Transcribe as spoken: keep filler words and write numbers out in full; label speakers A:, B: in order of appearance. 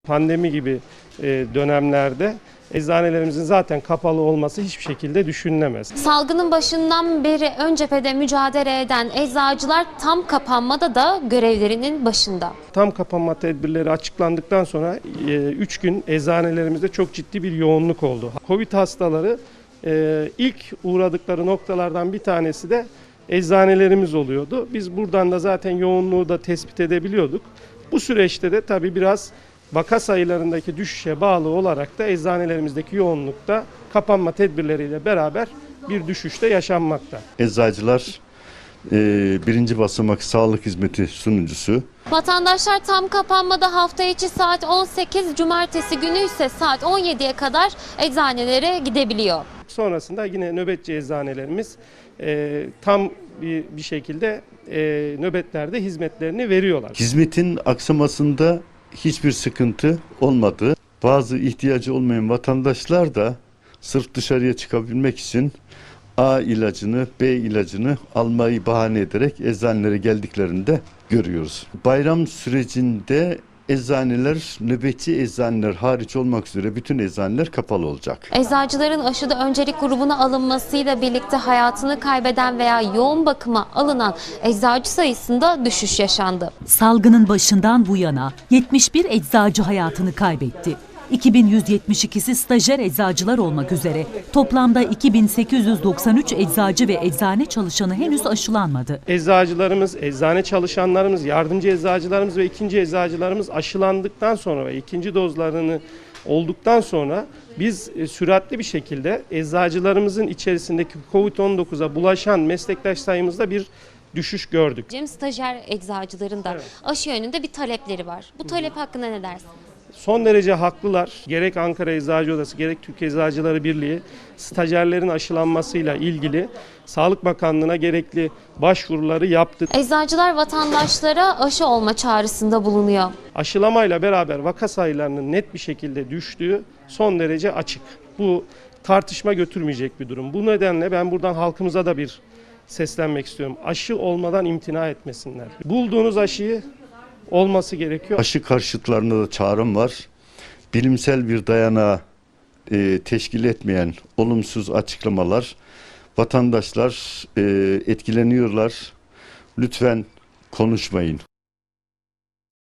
A: pandemi gibi e, dönemlerde eczanelerimizin zaten kapalı olması hiçbir şekilde düşünülemez.
B: Salgının başından beri ön cephede mücadele eden eczacılar tam kapanmada da görevlerinin başında.
A: Tam kapanma tedbirleri açıklandıktan sonra üç gün eczanelerimizde çok ciddi bir yoğunluk oldu. Covid hastaları e, ilk uğradıkları noktalardan bir tanesi de eczanelerimiz oluyordu. Biz buradan da zaten yoğunluğu da tespit edebiliyorduk. Bu süreçte de tabii biraz vaka sayılarındaki düşüşe bağlı olarak da eczanelerimizdeki yoğunlukta kapanma tedbirleriyle beraber bir düşüşte yaşanmakta.
C: Eczacılar e, birinci basamak sağlık hizmeti sunucusu.
B: Vatandaşlar tam kapanmada hafta içi saat on sekiz, cumartesi günü ise saat on yediye kadar eczanelere gidebiliyor.
A: Sonrasında yine nöbetçi eczanelerimiz e, tam bir, bir şekilde e, nöbetlerde hizmetlerini veriyorlar.
C: Hizmetin aksamasında hiçbir sıkıntı olmadı. Bazı ihtiyacı olmayan vatandaşlar da sırf dışarıya çıkabilmek için A ilacını, B ilacını almayı bahane ederek eczanelere geldiklerinde görüyoruz. Bayram sürecinde eczaneler, nöbetçi eczaneler hariç olmak üzere bütün eczaneler kapalı olacak.
B: Eczacıların aşıda öncelik grubuna alınmasıyla birlikte hayatını kaybeden veya yoğun bakıma alınan eczacı sayısında düşüş yaşandı.
D: Salgının başından bu yana yetmiş bir eczacı hayatını kaybetti. iki bin yüz yetmiş ikisi stajyer eczacılar olmak üzere toplamda iki bin sekiz yüz doksan üç eczacı ve eczane çalışanı henüz aşılanmadı.
A: Eczacılarımız, eczane çalışanlarımız, yardımcı eczacılarımız ve ikinci eczacılarımız aşılandıktan sonra ve ikinci dozlarını olduktan sonra biz süratli bir şekilde eczacılarımızın içerisindeki Covid on dokuza bulaşan meslektaş sayımızda bir düşüş gördük.
B: Cem stajyer eczacıların da
A: Evet.
B: aşı yönünde bir talepleri var. Bu talep hakkında ne dersin?
A: Son derece haklılar. Gerek Ankara Eczacı Odası gerek Türkiye Eczacıları Birliği stajyerlerin aşılanmasıyla ilgili Sağlık Bakanlığı'na gerekli başvuruları yaptı.
B: Eczacılar vatandaşlara aşı olma çağrısında bulunuyor.
A: Aşılamayla beraber vaka sayılarının net bir şekilde düştüğü son derece açık. Bu tartışma götürmeyecek bir durum. Bu nedenle ben buradan halkımıza da bir seslenmek istiyorum. Aşı olmadan imtina etmesinler. Bulduğunuz aşıyı olması gerekiyor.
C: Aşı karşıtlarına da çağrım var. Bilimsel bir dayanağı e, teşkil etmeyen olumsuz açıklamalar, vatandaşlar e, etkileniyorlar. Lütfen konuşmayın.